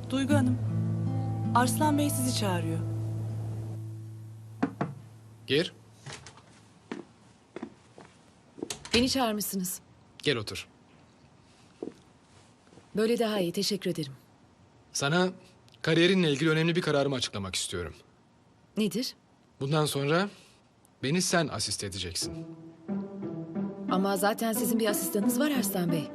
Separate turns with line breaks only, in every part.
Duygu Hanım, Arslan Bey sizi çağırıyor.
Gir.
Beni çağırmışsınız.
Gel otur.
Böyle daha iyi, teşekkür ederim.
Sana kariyerinle ilgili önemli bir kararımı açıklamak istiyorum.
Nedir?
Bundan sonra beni sen asist edeceksin.
Ama zaten sizin bir asistanınız var Arslan Bey.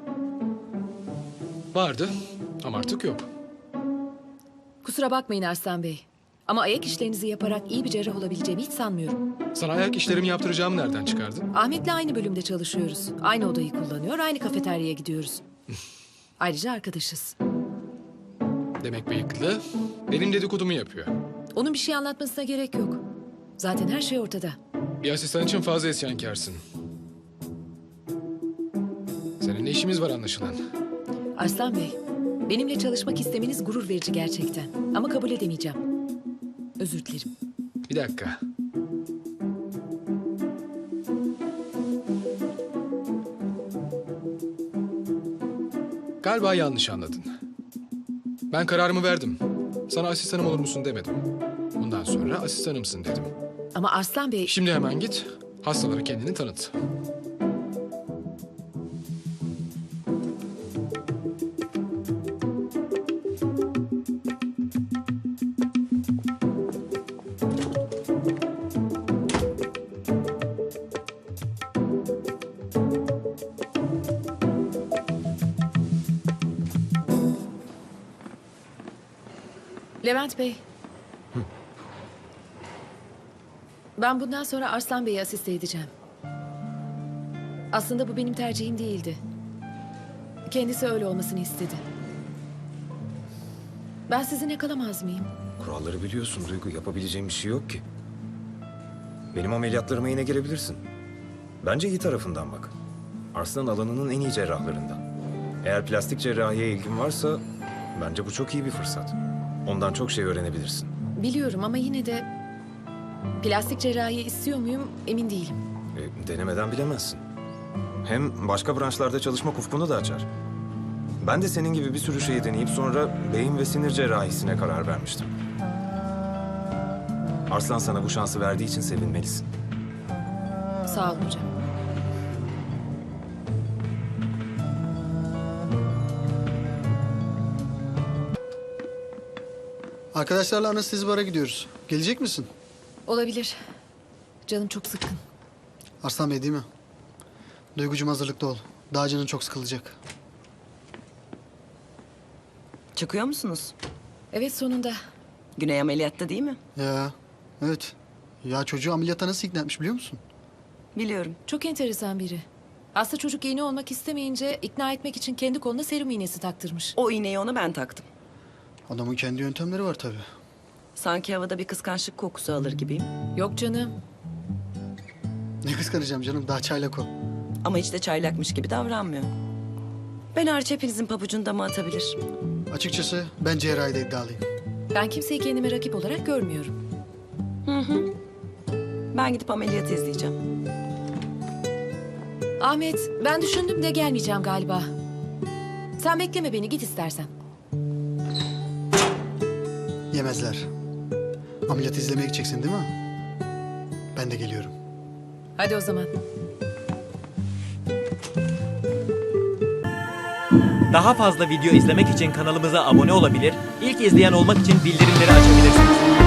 Vardı ama artık yok.
Kusura bakmayın Arslan Bey. Ama ayak işlerinizi yaparak iyi bir cerrah olabileceğimi hiç sanmıyorum.
Sana ayak işlerimi yaptıracağımı nereden çıkardın?
Ahmet'le aynı bölümde çalışıyoruz. Aynı odayı kullanıyor, aynı kafeteryaya gidiyoruz. Ayrıca arkadaşız.
Demek bıyıklı benim dedikodumu yapıyor.
Onun bir şey anlatmasına gerek yok. Zaten her şey ortada.
Bir asistan için fazla isyankarsın. Seninle işimiz var anlaşılan.
Arslan Bey, benimle çalışmak istemeniz gurur verici gerçekten. Ama kabul edemeyeceğim. Özür dilerim.
Bir dakika. Galiba yanlış anladın. Ben kararımı verdim. Sana asistanım olur musun demedim. Bundan sonra asistanımsın dedim.
Ama Arslan Bey...
Şimdi hemen git, hastalara kendini tanıt.
Levent Bey. Ben bundan sonra Arslan Bey'i asiste edeceğim. Aslında bu benim tercihim değildi. Kendisi öyle olmasını istedi. Ben sizinle kalamaz mıyım?
Kuralları biliyorsun Duygu. Yapabileceğim bir şey yok ki. Benim ameliyatlarıma yine girebilirsin. Bence iyi tarafından bak. Arslan alanının en iyi cerrahlarından. Eğer plastik cerrahiye ilgin varsa bence bu çok iyi bir fırsat. Ondan çok şey öğrenebilirsin.
Biliyorum ama yine de... Plastik cerrahi istiyor muyum emin değilim.
Denemeden bilemezsin. Hem başka branşlarda çalışmak ufkunu da açar. Ben de senin gibi bir sürü şeyi deneyip sonra beyin ve sinir cerrahisine karar vermiştim. Arslan sana bu şansı verdiği için sevinmelisin.
Sağ olun hocam.
Arkadaşlarla anestezi bara gidiyoruz. Gelecek misin?
Olabilir. Canım çok sıkkın.
Arslan Bey değil mi? Duygucum hazırlıklı ol. Daha canın çok sıkılacak.
Çıkıyor musunuz?
Evet sonunda.
Güney ameliyatta değil mi?
Ya, evet. Ya çocuğu ameliyata nasıl ikna etmiş biliyor musun?
Biliyorum.
Çok enteresan biri. Aslında çocuk iğne olmak istemeyince ikna etmek için kendi koluna serum iğnesi taktırmış.
O iğneyi ona ben taktım.
Adamın kendi yöntemleri var tabii.
Sanki havada bir kıskançlık kokusu alır gibiyim.
Yok canım.
Ne kıskanacağım canım, daha çaylak o.
Ama hiç de çaylakmış gibi davranmıyor. Ben hariç hepinizin pabucunu dama atabilir.
Açıkçası ben cerrahide iddialıyım.
Ben kimseyi kendime rakip olarak görmüyorum.
Ben gidip ameliyatı izleyeceğim.
Ahmet, ben düşündüm de gelmeyeceğim galiba. Sen bekleme beni, git istersen.
Yemezler. Ameliyat izlemeye gideceksin değil mi? Ben de geliyorum.
Hadi o zaman.
Daha fazla video izlemek için kanalımıza abone olabilir, ilk izleyen olmak için bildirimleri açabilirsiniz.